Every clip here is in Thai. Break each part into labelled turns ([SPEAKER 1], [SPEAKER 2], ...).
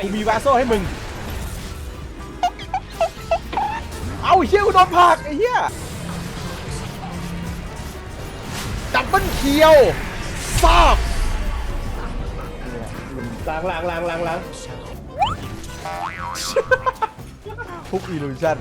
[SPEAKER 1] กูมีวาโซ่ให้มึงเอาเฮียกูโดนผลักไอ้เฮียดับเบิ้ลเคียวซอก
[SPEAKER 2] ล้าง
[SPEAKER 1] ทุกอิลูชั่น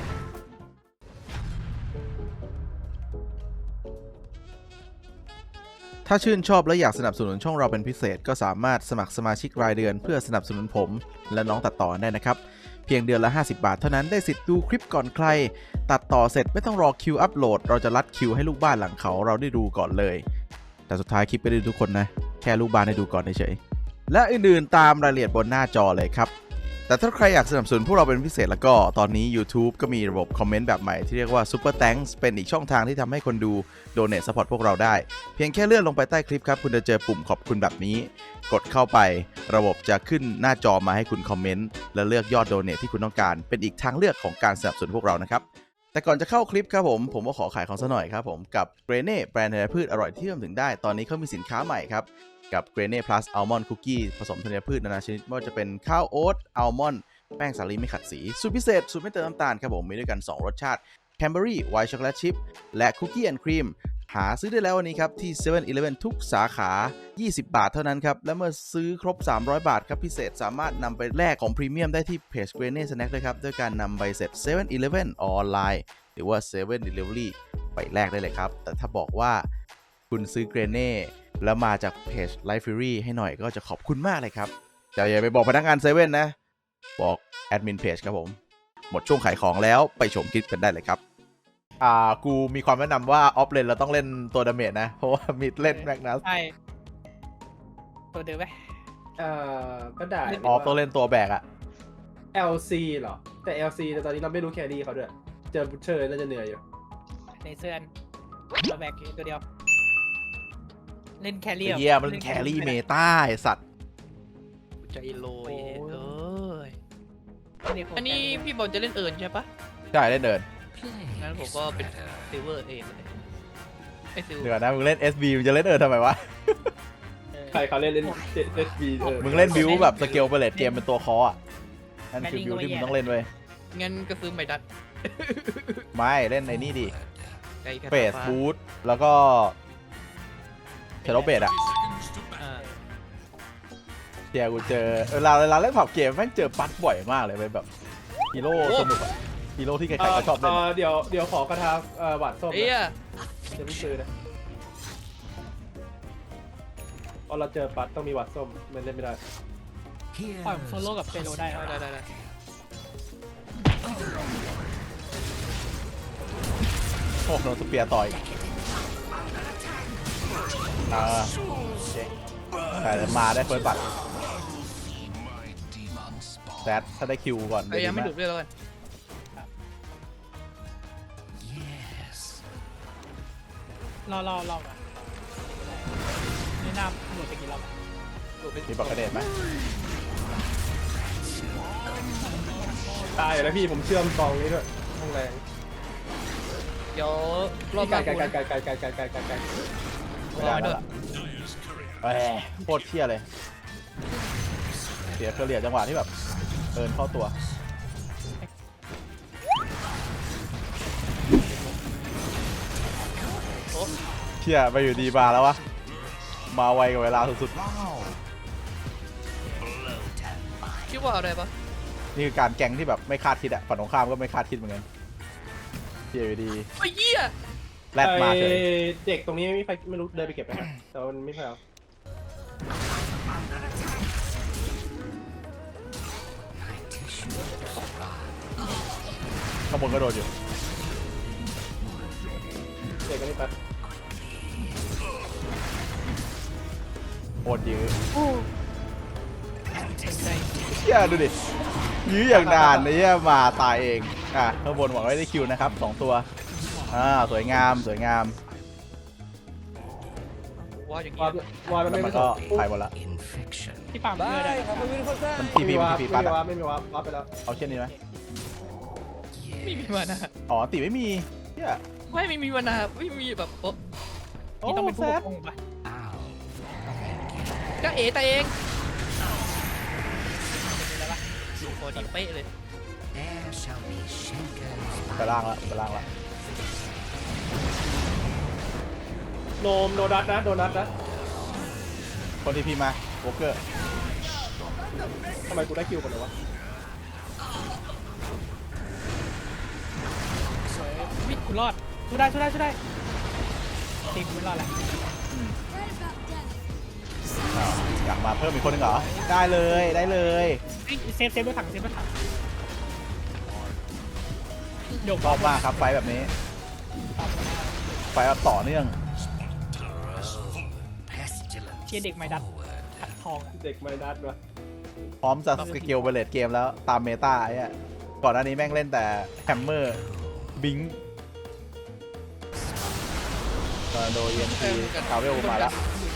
[SPEAKER 1] ถ้าชื่นชอบและอยากสนับสนุนช่องเราเป็นพิเศษก็สามารถสมัครสมาชิกรายเดือนเพื่อสนับสนุนผมและน้องตัดต่อได้นะครับเพียงเดือนละ50 บาทเท่านั้นได้สิทธิ์ดูคลิปก่อนใครตัดต่อเสร็จไม่ต้องรอคิวอัปโหลดเราจะรัดคิวให้ลูกบ้านหลังเขาเราได้ดูก่อนเลยแต่สุดท้ายคลิปไม่ได้ดูทุกคนนะแค่ลูกบ้านได้ดูก่อนเฉยๆและอื่นๆตามรายละเอียดบนหน้าจอเลยครับแต่ถ้าใครอยากสนับสนุนพวกเราเป็นพิเศษแล้วก็ตอนนี้ YouTube ก็มีระบบคอมเมนต์แบบใหม่ที่เรียกว่า Super Thanks เป็นอีกช่องทางที่ทำให้คนดู Donate Support พวกเราได้เพียงแค่เลื่อนลงไปใต้คลิปครับคุณจะเจอปุ่มขอบคุณแบบนี้กดเข้าไประบบจะขึ้นหน้าจอมาให้คุณคอมเมนต์และเลือกยอด Donate ที่คุณต้องการเป็นอีกทางเลือกของการสนับสนุนพวกเรานะครับแต่ก่อนจะเข้าคลิปครับผมก็ขอขายของซะหน่อยครับผมกับ Grene แบรนด์ธัญพืชอร่อยที่เชื่อมถึงได้ตอนนี้เขามีสินค้าใหม่ครับกับ Grene Plus Almond Cookie ผสมธัญพืชนานาชนิดไม่ว่าจะเป็นข้าวโอ๊ตอัลมอนด์แป้งสาลีไม่ขัดสีสูตรพิเศษสูตรไม่เติมน้ำตาลครับผมมีด้วยกัน2รสชาติแคนเบอรี่ไวท์ช็อกโกแลตชิพและคุกกี้แอนด์ครีมหาซื้อได้แล้ววันนี้ครับที่ 7-Eleven ทุกสาขา20 บาทเท่านั้นครับและเมื่อซื้อครบ300 บาทครับพิเศษสามารถนำไปแลกของพรีเมียมได้ที่เพจ Grene Snack ด้วยครับด้วยการนำใบเสร็จ 7-Eleven ออนไลน์หรือว่า 7 Delivery ไปแลกได้เลยครับแต่ถ้าบอกว่าคุณซื้อ Grene แล้วมาจากเพจ Life Fury ให้หน่อยก็จะขอบคุณมากเลยครับแต่อย่าไปบอกพนักงาน7นะบอกแอดมินเพจครับผมหมดช่วงขายของแล้วไปชมคลิปกันได้เลยครับกูมีความแนะนำว่าออฟเลนเราต้องเล่นตัวดาเมจนะเพราะว่ามิดเล่นแมกนัส
[SPEAKER 3] ใช่ตัวเดิมไหม
[SPEAKER 2] ก็ได้
[SPEAKER 1] ออฟต้องเล่นตัวแบกอะ
[SPEAKER 2] LC เหรอแต่ LC แต่ตอนนี้เราไม่รู้แครี่เขาด้วยเจอบูชเชอร์น่าจะเหนื่อยอยู่
[SPEAKER 3] ในเสื้อนตัวแบกตัวเดียวเล่นแครี่
[SPEAKER 1] เยี่ยมเล่นแครี่เมตาไอสัตว์
[SPEAKER 4] ใจโลยอันนี้พี่บอลจะเล่นเอิร์นใช่ปะ
[SPEAKER 1] ใช่เล่นเดิน
[SPEAKER 4] งั้นผมก็เป็นซิลเวอร์เองไอซิล
[SPEAKER 1] เดี๋ยวนะมึงเล่น SB มึงจะเล่นทำไมวะ
[SPEAKER 2] ใครเขาเล่นSB
[SPEAKER 1] มึงเล่นบิวแบบสเกลเปเลตเกมเป็นตัวคออ่ะนั่นคือบิวที่มึงต้องเล่นเว้ย
[SPEAKER 4] งั้นก็ซื้อไมดัส
[SPEAKER 1] ไม่เล่นในนี่ดิเฟสบูทแล้วก็เชโรเบดอ่ะเดี๋ยวกูเจอเวลาเล่นผับเกมแม่งเจอปั๊ดบ่อยมากเลยเป็นแบบฮีโร่สนุกอะฮีโร่ที่ใครๆก็ชอบเล่น
[SPEAKER 2] เดี๋ยวขอกระทาหวานส้มจะไม่ซื้อนะพอเราเจอปั๊ดต้องมีหวานส้มมันเล่นไม่ได้
[SPEAKER 3] ปล่อยโซโล่กับเปโลได้
[SPEAKER 1] โอ้โดนสเปียร์ต่อยแต่มาได้เฟิร์สบัตรแซดถ้าได้คิวก่อน
[SPEAKER 4] ยังไม่ดุด้วยแล้วกัน
[SPEAKER 3] รอก่อนนี่น้ำหมดไปกี่รอบ
[SPEAKER 1] มีบักกระเด็นไหม
[SPEAKER 2] ตายแล้วพี่ผมเชื่อมกองนี้ด้วยห้องแรง
[SPEAKER 4] เดี๋ยวรอบ
[SPEAKER 2] ไกล
[SPEAKER 1] ด้วยโคตรเที่ยเลยเสียเคลียร์จังหวะที่แบบเอินเข้าตัวเที่ยไปอยู่ดีบาแล้ววะมาไวกับเวลาสุด
[SPEAKER 4] ๆคิดว่าอะไรปะ
[SPEAKER 1] นี่คือการแกงที่แบบไม่คาดคิดอะฝั่งตรงข้ามก็ไม่คาดคิดเหมือนกันเที่ยอยู่ดี
[SPEAKER 4] ไอ้เหี้ย
[SPEAKER 1] แรดมาเลย
[SPEAKER 2] เด็กตรงนี้ไม่มีใครไม่รู้เดินไปเก็บไปแต่มันไม่ใช่เอา
[SPEAKER 1] ข้างบนก็โดนอยู่
[SPEAKER 2] เด็กกันนี่ไป
[SPEAKER 1] โคตรยื้อเชี่ยดูดิยื้ออย่างนานนะเนี่ยมาตายเองข้างบนหวังไว้ได้คิวนะครับ2ตัวสวยงาม
[SPEAKER 4] ว่า
[SPEAKER 2] มันไม่
[SPEAKER 1] ก็ถ่ายหมดละ
[SPEAKER 3] ที่ปั๊มเพื่อได้
[SPEAKER 1] มันทีพีปัด
[SPEAKER 2] ไม่มีว่าไปแล้ว
[SPEAKER 1] เอาเช่นนี้ไหม
[SPEAKER 4] ไม่มีมานะ
[SPEAKER 1] ตีไม่มีเนี่ย
[SPEAKER 4] ไม่มีมานะไม่มีแบบ
[SPEAKER 3] นี่ต้องเป็นผู้ปกครองปะ
[SPEAKER 4] ก็เอ๋แต่เองพอดีเป๊ะเลย
[SPEAKER 5] There shall be shakers
[SPEAKER 1] ไปล่างละไปล่างละ
[SPEAKER 2] โนดัตนะโดนัทนะ
[SPEAKER 1] คนที่พี่มาโวเกอร์
[SPEAKER 2] ทำไมกูได้คิวก่อนเลยวะ
[SPEAKER 3] วิทย์กูรอดสู้ได้ตีกูไม่รอดแล้ว
[SPEAKER 1] อยากมาเพิ่มอีกคนหนึงเหรอได้เลยได้เลย
[SPEAKER 3] เซฟรถถังเดี๋ยว
[SPEAKER 1] ชอบมากครับไฟแบบนี้ไฟแบบต่อเนื่อง
[SPEAKER 5] pestilence
[SPEAKER 3] เชียร์เด็กไม้ดัดขัดทองอะ
[SPEAKER 2] เด็กไมดัสวะ
[SPEAKER 1] พร้อมจะสกิลเบลเลตเกมแล้วตามเมตาไอ้อะก่อนหน้านี้แม่งเล่นแต่แฮมเมอร์บิงโดยเอ็นทีคาเวลมาแล้ว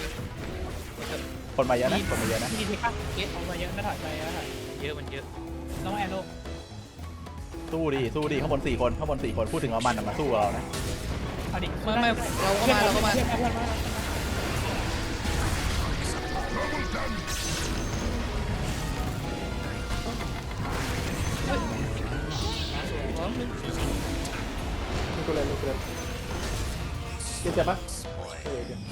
[SPEAKER 1] คนมาเยอะนะคนมาเยอะนะ
[SPEAKER 3] มีเทคป่ะเอามาเยอะไม่ถอยไปแล้วถอย
[SPEAKER 4] เยอะมันเยอะ
[SPEAKER 3] น้องแอโร่
[SPEAKER 1] สู้ดิข้างบน4 คนพูดถึงว่ามันน่ะมาสู้กับเรานะ
[SPEAKER 3] เอาดิ
[SPEAKER 4] ไม่เราก็มา
[SPEAKER 3] เพื่อนมา
[SPEAKER 2] มีกูเล่นเจ็บปะเจ็บ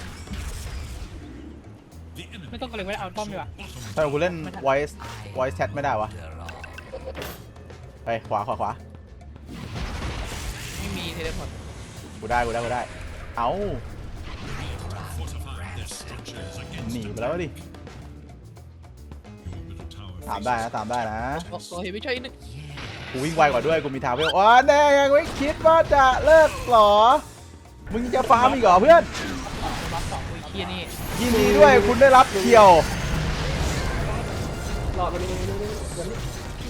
[SPEAKER 3] ไม่ต้องกระเลยไว้เอาป้อมดีกว่า
[SPEAKER 1] ถ้ากูเล่น voice chat ไม่ได้วะไปขวา
[SPEAKER 4] ไม่มีเทเลพอร์ต
[SPEAKER 1] กูได้เอาหนีไปแล้วดิตามได้นะ
[SPEAKER 4] ต่อเห็นไม่ใช่นึก
[SPEAKER 1] กูวิ่งไวกว่าด้วยกูมีทาวเวลอ๋อแน่ยังไม่คิดว่าจะเลิกหรอมึงจะฟาร์มอีกเหรอเพื่อน
[SPEAKER 3] บัฟ2คุยเคียนี่
[SPEAKER 1] ยินดีด้วยคุณได้รับเคียว
[SPEAKER 2] หลอดมันนี่วันนี้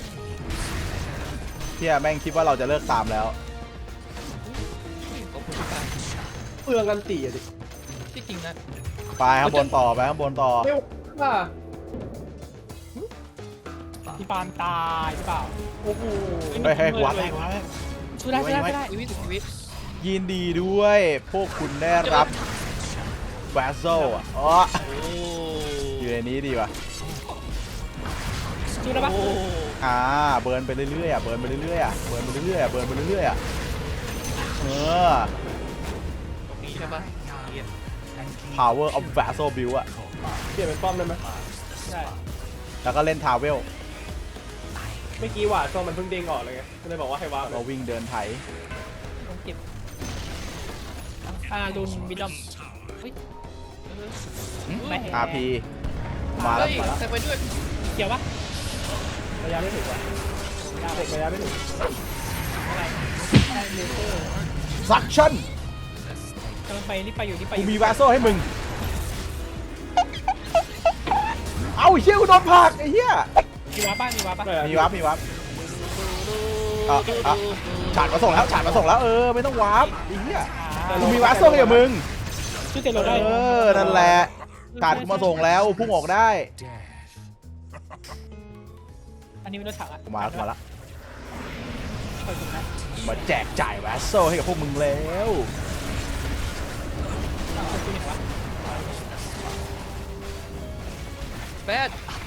[SPEAKER 1] เที่ยแม่งคิดว่าเราจะเลิกตามแล้ว
[SPEAKER 4] ขอบคุณทุกการ
[SPEAKER 2] เปลืองกันตีอะดิ
[SPEAKER 4] ที่จริงนะ
[SPEAKER 1] ไปข้างบนต่อ
[SPEAKER 2] ไม่ว่า
[SPEAKER 3] พี่ปานตายหรือเปล่า
[SPEAKER 2] โอ้โห
[SPEAKER 1] ให้หัว
[SPEAKER 3] สู้ได้
[SPEAKER 4] ชีวิตชีวิต
[SPEAKER 1] ยินดีด้วยพวกคุณได้รับแวสโซอ่ะอ๋อ
[SPEAKER 4] โอ้
[SPEAKER 1] อยู่ในนี้ดีป่ะ
[SPEAKER 3] สู้ได้ปะ
[SPEAKER 4] โอ้
[SPEAKER 1] เบิร์นไปเรื่อยๆเบิร์นไปเรื่อยๆเบิร์นไปเรื่อยๆเออ
[SPEAKER 4] ตรงนี้ใช่ปะเกียร์
[SPEAKER 1] power of vessel build อ่ะ
[SPEAKER 2] เปลี่ยนเป็นป้อมได้ไหม
[SPEAKER 3] ใช่
[SPEAKER 1] แล้วก็เล่นทาวเวล
[SPEAKER 2] เมื่อกี้หวาดโซมันเพิ่งเด้งออกเลยไงก็เลยบอกว่าให้วาร์ปเล
[SPEAKER 1] เรา
[SPEAKER 2] ย
[SPEAKER 1] วิ่งเดินไถ
[SPEAKER 3] ต้องเก็บลุนวิดดอม ไม่
[SPEAKER 1] RP มาแล้ว
[SPEAKER 4] เฮ้ยใส่ไปด้วย
[SPEAKER 3] เกี่ยวปะ
[SPEAKER 2] ระยะไม่ถึงว่ะเด็กระยะไม่ถึง
[SPEAKER 3] อะไรได้เลเซอร์
[SPEAKER 1] suction
[SPEAKER 3] กำลังไปนี่ไปอยู่
[SPEAKER 1] กูมีแวสโซให้มึงเอาไอ้เหี้ยกูโดนผลักไอ้เหี้ย
[SPEAKER 3] มีวาป้ามีวาป้า
[SPEAKER 1] มีวับฉาดมาส่งแล้วไม่ต้องวาร์ปไอ้เหี้ยกูมีแวสโซให้กับมึง
[SPEAKER 3] ชื่อเตโรได้
[SPEAKER 1] นั่นแหละฉาดมาส่งแล้วพุ่งออกได้
[SPEAKER 3] อันนี้เป็นรถถังอ่ะ
[SPEAKER 1] มาละ
[SPEAKER 3] เปิดถุงนะ
[SPEAKER 1] มาแจกจ่ายแวสโซให้กับพวกมึงแล้ว
[SPEAKER 3] คือเห็นวะ
[SPEAKER 4] แบด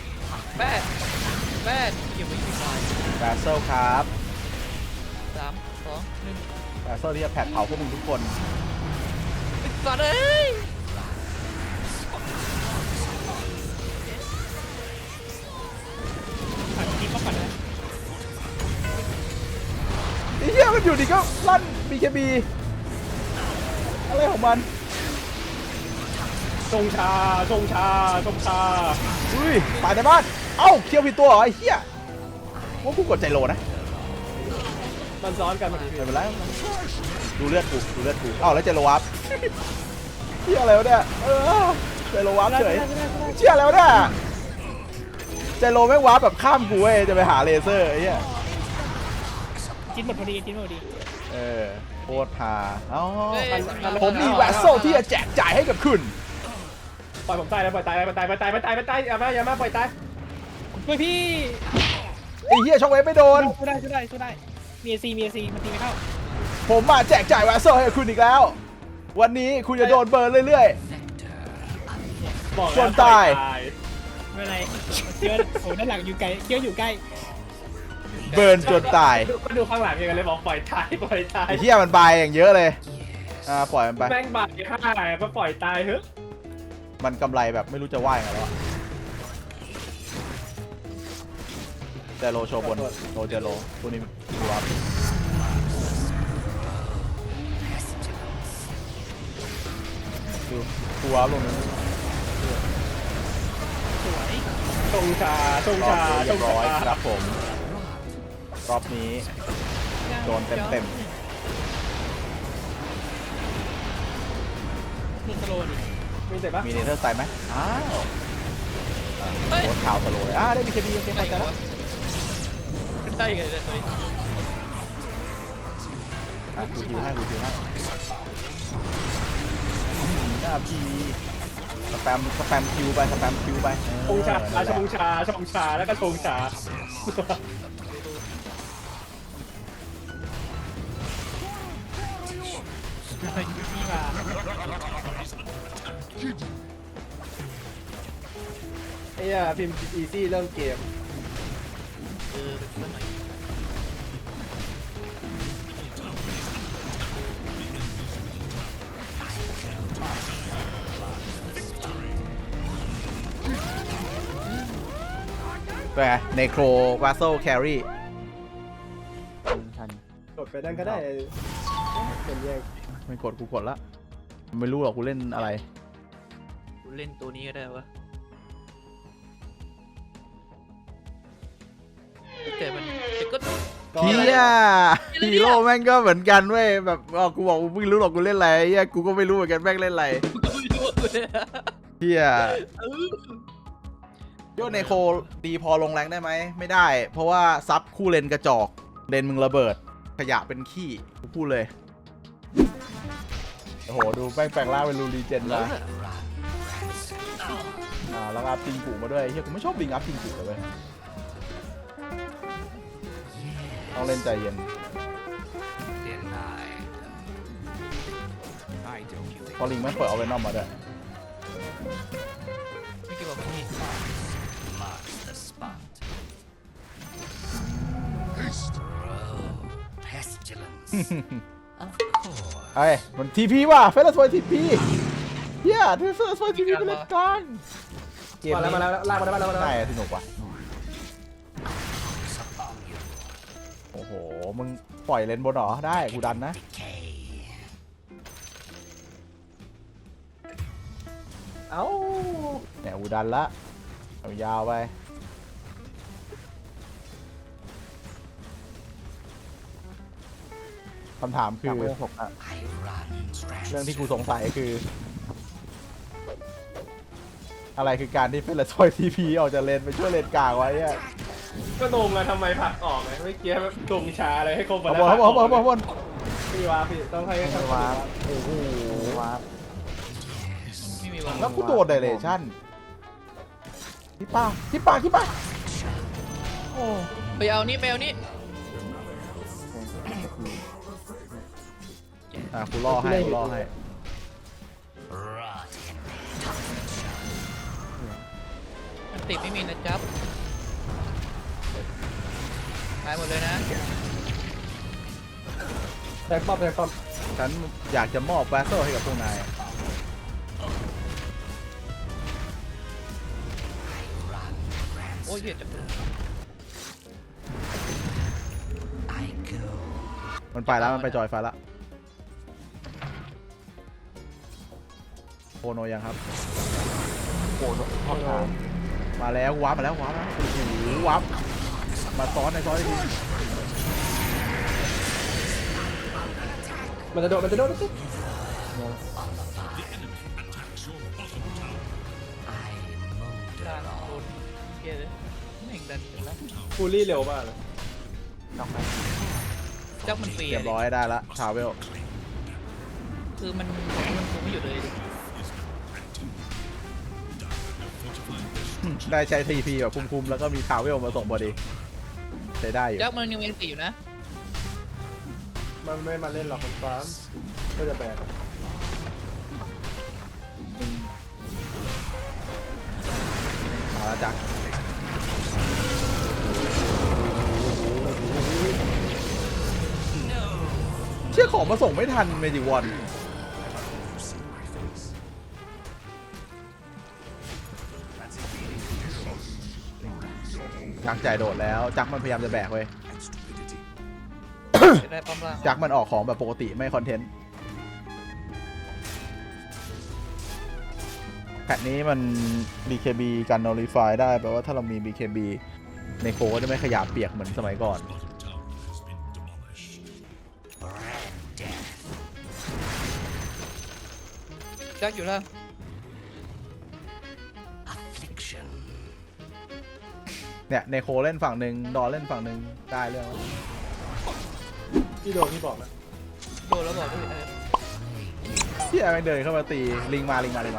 [SPEAKER 4] เกี่ยวไม่ถึงหน่อย
[SPEAKER 1] แวสโซครับ
[SPEAKER 4] 3 2 1
[SPEAKER 1] แวสโซที่จะแผดเผาพวกมึงทุกคน
[SPEAKER 4] สัตว์เอ้ย
[SPEAKER 3] ผ่านทีก็ผ่านเลย
[SPEAKER 1] ไอ้เหี้ยมันอยู่ดีก็ลั่น BKB อะไรของมัน
[SPEAKER 2] ชงชา
[SPEAKER 1] อุ้ยตายในบ้านเอ้าเคียวผิดตัวเหรอไอ้เหี้ยว่ากูกดใจโลนะ
[SPEAKER 2] มันซ้อนกันมาที
[SPEAKER 1] ไม่เป็นไรดูเลือดกูเอ้าแล้วใจโลวับเหี้ยอะไรวะเนี่ยใจโลวับเฉยเชี่ยแล้วเนี่ยใจโลแม่งวับแบบข้ามกูเว้ยจะไปหาเลเซอร์ไอ้เหี้ย
[SPEAKER 3] จิ้นหมดพอดี
[SPEAKER 1] โคตรฮาอ๋อ
[SPEAKER 4] เฮ้ย
[SPEAKER 1] ผมมีแวสโซที่จะแจกจ่ายให้กับคุณ
[SPEAKER 2] ปล่อยผมตายแล้วปล่อยตายอย่ามาปล่อยตาย
[SPEAKER 3] ช่วยพี่
[SPEAKER 1] ไอ้เหี้ยช็อกเวฟไม่โดน
[SPEAKER 3] สู้ได้มีเอซีมันตีไม่เข้า
[SPEAKER 1] ผมมาแจกจ่ายแวสโซให้กับคุณอีกแล้ว วันนี้คุณจะโดนเบิร์นเรื่อย
[SPEAKER 2] บอก
[SPEAKER 1] ส่วนตาย
[SPEAKER 2] ป
[SPEAKER 3] ไม่เป็นไรเคี้ยวโอ้ด้านหลังอยู่ไกลเคี้ยวอยู่ใกล้
[SPEAKER 1] เบิร์นจนตาย
[SPEAKER 2] ก็ดูข้างหลังกันเลยบอกปล่อยตายปล่อยตาย
[SPEAKER 1] ไอ้เหี้ยมันบายอย่างเยอะเลยปล่อยมันไป
[SPEAKER 2] แม่งบาดฆ่าก็ปล่อยตายเถอะ
[SPEAKER 1] มันกำไรแบบไม่รู้จะว่ายังไงแล้วอะแต่โลโชว์บนโลเจโลพวกนี้ดูวับดูดูวับลงนี้
[SPEAKER 3] สวย
[SPEAKER 2] ชงชาชง
[SPEAKER 1] รอบ
[SPEAKER 2] ชา
[SPEAKER 1] นี้
[SPEAKER 2] ช
[SPEAKER 1] เรีย
[SPEAKER 2] ง
[SPEAKER 1] บร้อย
[SPEAKER 2] ชา
[SPEAKER 1] ครับผมรอบนี้โดนเต็ม
[SPEAKER 3] ลูกสโลว์ดิ
[SPEAKER 2] มีแต่ปะ
[SPEAKER 1] ๆมีเนเธอร์ไซด์ไหมอ้าว
[SPEAKER 4] เฮ้ย
[SPEAKER 1] โคตรข่าวสโลว์เลยได้มีเคบีโอเค
[SPEAKER 4] ได้
[SPEAKER 1] เข้าใจ
[SPEAKER 4] ไง
[SPEAKER 1] แล้ว
[SPEAKER 4] วะขึ้นได้ยังไงเนี่ยเฮ้ย
[SPEAKER 1] กูคิวให้หน้าพีสแปมคิวไป
[SPEAKER 2] ชงชาชงชาชงชาแล้วก็ชงชา
[SPEAKER 3] นี่มา
[SPEAKER 2] ไอ้เหี้ยพิมพ์อีซี่เริ่มเกม
[SPEAKER 4] เป็นเพื่อนหน่อย
[SPEAKER 1] ไปเนโครวาโซแครี่
[SPEAKER 2] กดไปนั่นก็ได้เป็นแยก
[SPEAKER 1] ไม่กดกูกดละไม่รู้หรอกกูเล่นอะไร
[SPEAKER 4] กูเล่นตัวนี้ก็ได้วะแต่มันแต่ก็
[SPEAKER 1] เฮียฮีโร่แม่งก็เหมือนกันเว้ยแบบกูบอกกูไม่รู้หรอกกูเล่นอะไรเฮียกูก็ไม่รู้เหมือนกันแม่งเล่นอะไร
[SPEAKER 4] กูไม่รู้เลย
[SPEAKER 1] เฮียโยนเนโคดีพอลงแรงได้ไหมไม่ได้ เพราะว่าซับคู่เลนกระจอกเลนมึงระเบิดขยะเป็นขี้กูพูดเลยโอ้โหดูแปลงร่างเป็นรูรีเจนมาแล้วอัพปิงกูมาด้วยเฮียกูไม่ชอบบิงอัพปิงกูเลยเว้ยต้องเล่นใจเย็น
[SPEAKER 5] Denied. I don't give
[SPEAKER 1] พอลิงแม่งเปิดเอาเวนอมมาด้วย
[SPEAKER 4] ไม่กี่บอกพี่
[SPEAKER 5] marks the spot. Pestilence. Of course.
[SPEAKER 1] เฮ้ยมันทีพีว่ะเฟรนด์สวยทีพีเฮียเฟรนด์สวยทีพีเป็นเล่นกันเกม
[SPEAKER 2] มาแล้ว
[SPEAKER 1] นี้
[SPEAKER 2] มาแล้วลากมาแล้วมาแล้วมา
[SPEAKER 1] ได้
[SPEAKER 2] แล้ว
[SPEAKER 1] สนุกว่ะ
[SPEAKER 5] Upon you.
[SPEAKER 1] โอ้โหมึงปล่อยเลนบนเหรอได้กูดันนะ
[SPEAKER 5] Decay.
[SPEAKER 2] เอ้า
[SPEAKER 1] เนี่ยกูดันละเอายาวไปคำถามคือ
[SPEAKER 5] I run
[SPEAKER 1] เรื่องที่กูสงสัยคือ อะไรคือการที่เฟรนด์สวยทีพีออกจากเลนไปช่วยเลนกลางไว้อะ
[SPEAKER 2] ก็งงอะทำไมผลักออกไงเมื่อกี้แบบชงชาอะไรให้ครบ
[SPEAKER 1] เอาบน
[SPEAKER 2] พี่วาพี่ต้องให้เขาวา
[SPEAKER 1] โอ้โห
[SPEAKER 4] ไม่มีวาง
[SPEAKER 1] แล้วกูโดนไดเรชั่นที่ป้าโอ้
[SPEAKER 4] ไปเอานี่ไปเอานี่
[SPEAKER 1] กูล่อให้
[SPEAKER 5] rot in
[SPEAKER 4] มันติดไม่มีนะจ๊บตายหมดเลยนะ
[SPEAKER 2] แทงป้อม
[SPEAKER 1] ฉันอยากจะมอบแบสเซอร์ให้กับพวกนาย
[SPEAKER 4] โอ้ยเหี้ยจะ
[SPEAKER 5] I go.
[SPEAKER 1] มันไปแล้วมันไปจอยไฟละโคโนยังครับโคโนมาแล้ววาร์ปมาแล้วโอ้โหวาร์ปมาซ้อนในซ้อนได้ดี
[SPEAKER 2] มันจะโดน
[SPEAKER 5] On the vine. I
[SPEAKER 4] ดัน
[SPEAKER 5] mold
[SPEAKER 4] โดนเหี้ยเลยแม่งดันกันแล้ว
[SPEAKER 2] ฟูลี่เร็วมากเลย
[SPEAKER 4] จ๊บมันฟรี
[SPEAKER 1] เรียบร้อยได้ละทาวเวล
[SPEAKER 4] คือมันคุมไม่อยู่เลยดิ
[SPEAKER 1] ได้ใช้ทีพีแบบคุ้มๆแล้วก็มีทาวเวลมาส่งพอดีใช้ได้อยู่
[SPEAKER 4] จ๊บมันยังเป็นสีอยู่นะ
[SPEAKER 2] มันไม่มาเล่นหรอกคนฟ้าก็จะแบก
[SPEAKER 1] มแล้วจักเชี่ยของมาส่งไม่ทันเมจิวอนจักจ่ายโดดแล้วจักมันพยายามจะแบกเว้ย
[SPEAKER 4] จะได้ป้อมล่าง
[SPEAKER 1] จักมันออกของแบบปกติไม่คอนเทนต์แพทนี้มัน BKB กัน Nullify ได้แปลว่าถ้าเรามี BKB ในโคก็จะไม่ขยับเปียกเหมือนสมัยก่อน
[SPEAKER 4] จักอยู่ล่าง
[SPEAKER 5] Affliction.
[SPEAKER 1] เนี่ยในโคเล่นฝั่งหนึ่งดอนเล่นฝั่งหนึ่งได้เรื่องแล้ว
[SPEAKER 2] ที่โดนที่บอกนะ
[SPEAKER 4] โดนแล้วบอกด้วย
[SPEAKER 1] ที่แม่งเดินเข้ามาตีลิงมาลิงมาลิงมา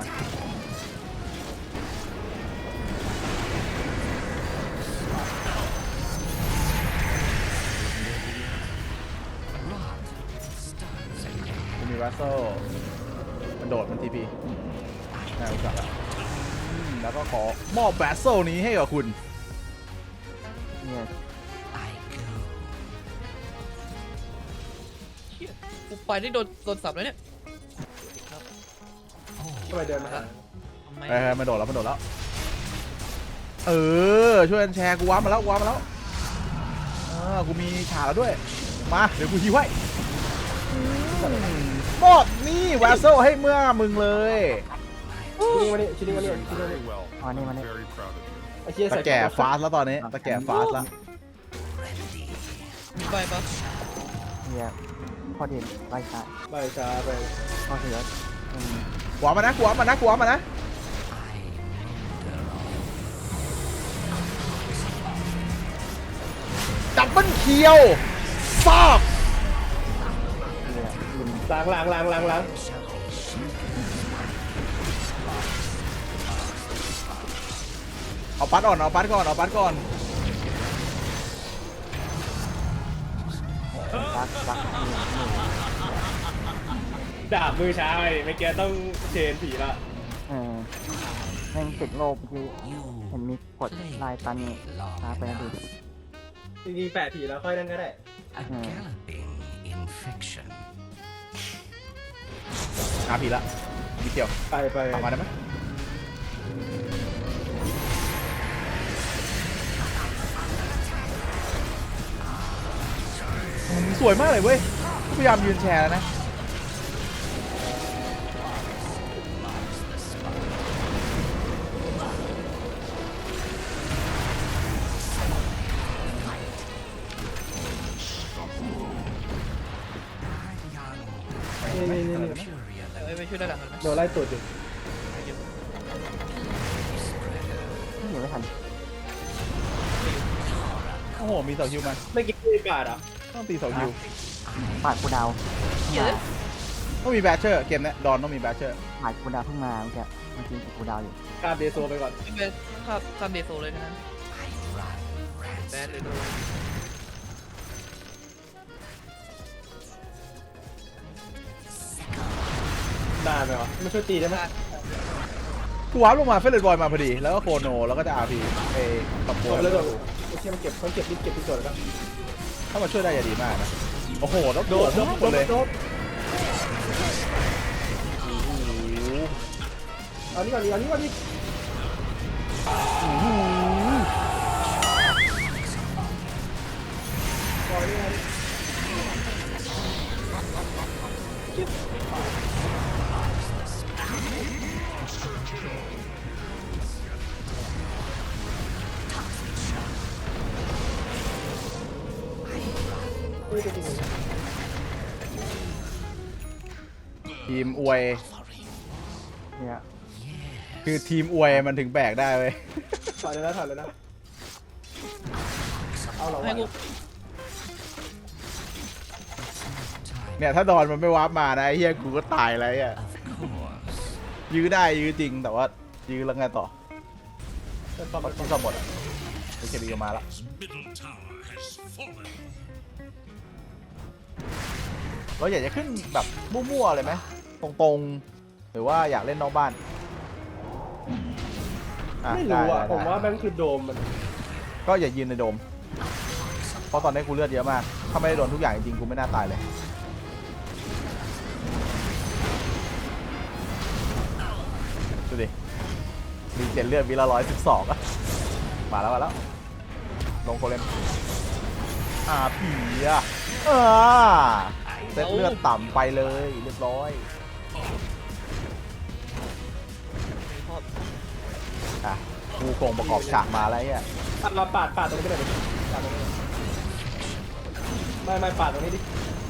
[SPEAKER 1] คุณมีวัสโซมันโดดมันทีพีน่ารู้จักแล้วแล้วก็ขอมอบแบสโซนี้ให้กับคุณ
[SPEAKER 5] I go.
[SPEAKER 4] เชี่ยกูไปนี่โดนสับแล้วเนี่ย
[SPEAKER 2] ทำไมเดินมาหา
[SPEAKER 4] ทำไม
[SPEAKER 1] มันโดดแล้วมันโดดแล้วช่วยกันแชร์กูว้ามาแล้วกูว้ามาแล้วกูมีฉากแล้วด้วยมาเดี๋ยวกูฮิวให้มอบนี่แวสโซให้เมื่อมึงเลย
[SPEAKER 2] ชิ้นนี้มาเนี่ยชิ้นนี้มาเนี่ย
[SPEAKER 6] Very well.
[SPEAKER 7] อ๋อนี่มันนี่
[SPEAKER 6] Very proud of you.
[SPEAKER 2] ไอ้เชี่ย
[SPEAKER 1] ตะ
[SPEAKER 2] ใส่
[SPEAKER 1] แก่ฟาสแล้วตอนนี้ตะแก่ฟาสแล้ว
[SPEAKER 4] มีใบปะ
[SPEAKER 7] เนี่ยพอดีไล่ช้า
[SPEAKER 2] ไปช้าไป
[SPEAKER 7] พอเสือ
[SPEAKER 1] กูว้ามานะกูว้ามานะกูว้ามานะดับเบิลเคียวฟอก
[SPEAKER 7] เนี่ยยิม
[SPEAKER 2] ล้าง
[SPEAKER 1] เอาปัดก่อนเอาปัดก่อนเอาปัดก่อน
[SPEAKER 7] รัก
[SPEAKER 2] ดาบมือช้าไปเมื่อกี้ต้องเชนผีละ
[SPEAKER 7] แม่งติดโลบคือเห็นมีกดลายตันช้าไปนะดู
[SPEAKER 2] จริงๆแปะผีแล้วค่อยนั่นก็ได้
[SPEAKER 5] A galloping infection.
[SPEAKER 1] หาผีละมีเกี่ยว
[SPEAKER 2] ไป
[SPEAKER 1] กลับมาได้ไหมสวยมากเลยเว้ยพยายามยืนแชร์แล้วนะ
[SPEAKER 2] นี่
[SPEAKER 4] ไม่ช่วยได้หลังกันไหม
[SPEAKER 2] โดนไล่ตูดอยู่
[SPEAKER 7] ยังไม่ทัน
[SPEAKER 1] โอ้โหมีเสาฮิวมา
[SPEAKER 2] ไม่กินที่กาดอ่ะ
[SPEAKER 1] ต้องตีเสาฮิว
[SPEAKER 7] ปาดกูดาว
[SPEAKER 1] ต้องมีแบชเชอร์เกมเนี้ยดอนต้องมีแบชเชอร์
[SPEAKER 7] ปาดกูดาวเพิ่งมาเมื่อกี้มันจริงกูดาวอยู่
[SPEAKER 2] กาดเดโซไปก่อน
[SPEAKER 4] ไม่เป็นข้ามเดโซเลยนะฮะ
[SPEAKER 5] I run
[SPEAKER 4] แบน
[SPEAKER 5] rancid.
[SPEAKER 4] เลยโดน
[SPEAKER 2] ได้ไหมวะไม่ช่วยตีได้ไหม
[SPEAKER 1] กูวาร์ปลงมาเฟรนด์บอยมาพอดีแล้วก็โคโนแล้วก็จะอาร์พีเอตับโบ
[SPEAKER 2] โดนแล้วโดนไอ้เชี่ยมันเก็บที่ส่วนแล้ว
[SPEAKER 1] ถ้ามาช่วยได้จะดีมากนะโอ้โหแล้วโดดหมดเลย
[SPEAKER 2] เอานี่ก่อนดิ
[SPEAKER 1] ทีมอวย
[SPEAKER 7] เนี่ย
[SPEAKER 1] คือทีมอวยมันถึงแบกได้เว้ย
[SPEAKER 2] ถอยเลยนะ เอาเหรอ
[SPEAKER 4] ให้กู
[SPEAKER 2] วะ
[SPEAKER 1] เนี่ยถ้าดอนมันไม่วาร์ปมานะไอ้เฮียกูก็ตายแล้วอ่ะ
[SPEAKER 5] Of course.
[SPEAKER 1] ยื้อได้ยื้อจริงแต่ว่ายื้อแล้วไงต่อ
[SPEAKER 2] เป็นความ
[SPEAKER 1] ที่ซ่อมหมดอ่ะโอเคดีก็มาละ
[SPEAKER 6] Middle tower has fallen.
[SPEAKER 1] เราอยากจะขึ้นแบบมั่วๆเลยไหมตรงๆหรือว่าอยากเล่นนอกบ้าน
[SPEAKER 2] ไม่รู้อ่ะ
[SPEAKER 1] ได้
[SPEAKER 2] ผมว่าแม่งคือโดมมัน
[SPEAKER 1] ก็อย่ายืนในโดม เพราะตอนนี้กูเลือดเยอะมาก ถ้าไม่ได้โดนทุกอย่างจริงๆ กูไม่น่าตายเลย ดูดิ มีเจนเลือดวิละ112อะมาแล้ว ลงโคเลมผีอะเซตเลือดต่ำไปเลยเรียบร้อย
[SPEAKER 4] ชอบ
[SPEAKER 1] กูโครงประกอบฉากมาแล้วเนี่ย
[SPEAKER 2] เราปาดตรงนี้ไปหน่อยดิปาดตรงนี้ไม่ปาดตรงนี้ดิ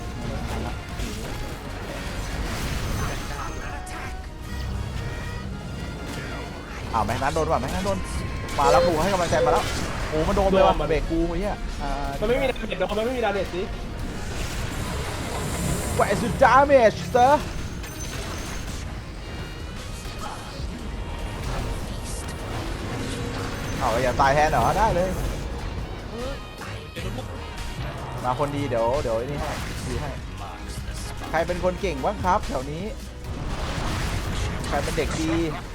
[SPEAKER 1] แม่งนั้นโดนว่ะแม่งนั้นโดน มาแล้วกูให้กำลังใจมาแล้ว โอ้มันโดนเลยว่ะเบรกกูไอ้เหี้ย
[SPEAKER 2] มันไม่มีดาเมจมันไม่มีดาเมจสิ
[SPEAKER 1] What is the damage sir เราอย่าตายแทนเหรอได้เลย มาคนดีเดี๋ยวไอ้นี่ให้ดีให้ ใครเป็นคนเก่งบ้างครับแถวนี้ ใครเป็นเด็กดี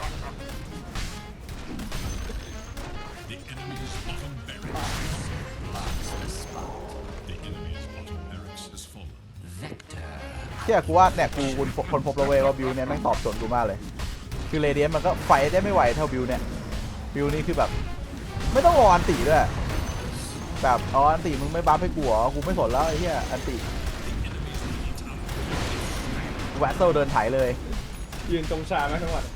[SPEAKER 6] The enemy's bottom barracks. The enemy's bottom barracks has fallen.
[SPEAKER 5] Vector.
[SPEAKER 1] เชื่อกูว่าเนี่ยกูคนพบแล้วเว้ยว่าบิวเนี่ยแม่งตอบโจทย์กูมากเลย คือเรเดียนมันก็ไฟได้ไม่ไหวเท่าบิวเนี่ยบิวนี่คือแบบไม่ต้องรออันติด้วยแบบอันติมึงไม่บัฟให้กูเหรอกูไม่สนแล้วไอ้เหี้ยอันติแวตเซลเดินไถเลย
[SPEAKER 2] ยืนตรงชาไหมทั้งวัน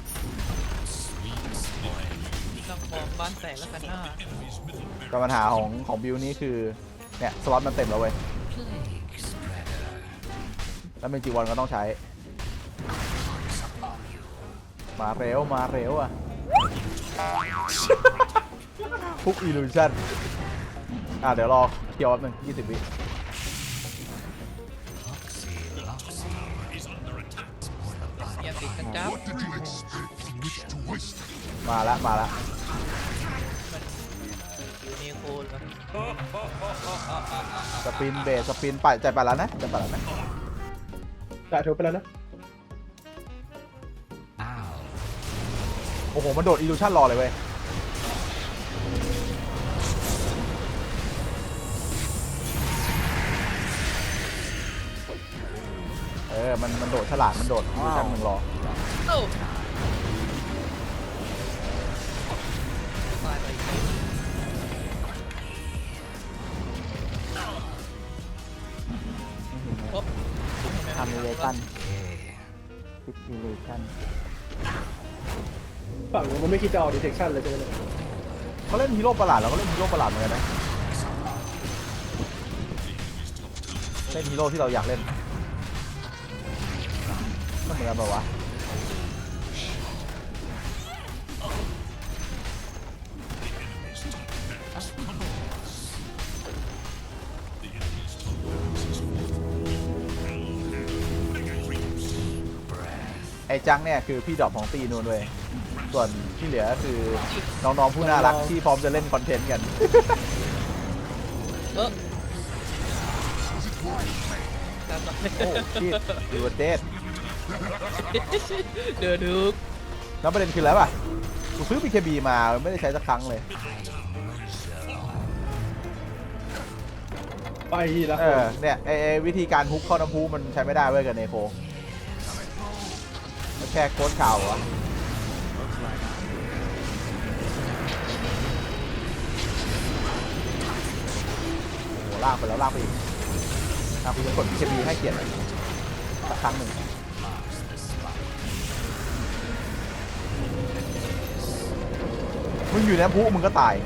[SPEAKER 4] ตั้งฟอร์มบ้านแตกแล้วกันหน้า
[SPEAKER 1] แต่ปัญหาของบิวนี่คือเนี่ยสล็อตมันเต็มแล้วเว้ย
[SPEAKER 5] Plague spreader.
[SPEAKER 1] แล้วเป็นจีวอนก็ต้องใช้มาเร็วอ่ะ พุกอิลูชั่นเดี๋ยวรอเกี่ยวแป๊บนึง20 วิ
[SPEAKER 5] Loxy, Loxy.
[SPEAKER 6] Is under attack.
[SPEAKER 4] อย่าติดกันจ้า
[SPEAKER 6] What did you expect from which to waste?
[SPEAKER 1] มาละ
[SPEAKER 4] อยู่ในโคนแล้ว
[SPEAKER 1] สปินเบสสปินไปใจไปแล้วนะ
[SPEAKER 2] จ่ายถูกไปแล้วนะ
[SPEAKER 5] Ow.
[SPEAKER 1] โอ้โห มันโดดอิลูชั่นรอเลยเว้ย มันโดดฉลาด มันโดดอิลูชั่นมึงรอ
[SPEAKER 4] โอ้ตายไปอีกที ปุ๊บ
[SPEAKER 7] ทำเลตัน
[SPEAKER 5] Okay.
[SPEAKER 7] ซิปอิเลชัน
[SPEAKER 2] ฝั่งนู้นมันไม่คิดจะเอาดีเทคชั่นเลยใช่ไหมเนี่ย
[SPEAKER 1] เขาเล่นฮีโร่ประหลาดเราก็เล่นฮีโร่ประหลาดเหมือนกันนะ เล่นฮีโร่ที่เราอยากเล่นก็เหมือนกันแบบวะ ไอ้จังเนี่ยคือพี่ดอกของตีนูนเว้ยส่วนที่เหลือก็คือน้องๆผู้น่ารักที่พร้อมจะเล่นคอนเทนต์กัน
[SPEAKER 4] ตามมา
[SPEAKER 1] โอ้ชิดดูเดด
[SPEAKER 4] เดือดดึก
[SPEAKER 1] แล้วประเด็นคืออะไรป่ะกูซื้อ BKB มาไม่ได้ใช้สักครั้งเลย
[SPEAKER 2] ไปแล้ว
[SPEAKER 1] เนี่ยไอ้วิธีการฮุกเข้าน้ำพุมันใช้ไม่ได้เว้ยกับเนโคมันแค่โค้ดข่าวเหรอโอ้ลากไปแล้วลากไปอีกกูจะกด BKB ให้เกียรติสักครั้งหนึ่งมึงอยู่ในน้ำพุมึงก็ตาย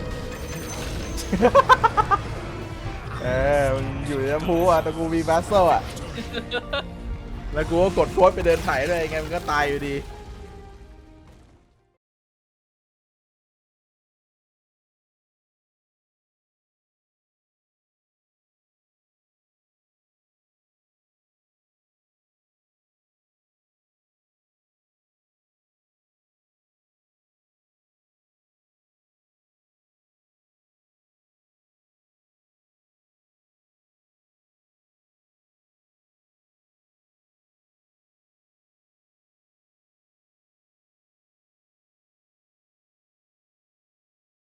[SPEAKER 1] มึงอยู่ในน้ำพุอ่ะแต่กูมีแบสเซลอ่ะ แล้วกูก็กดโค้ดไปเดินไถเลยไงมันก็ตายอยู่ดี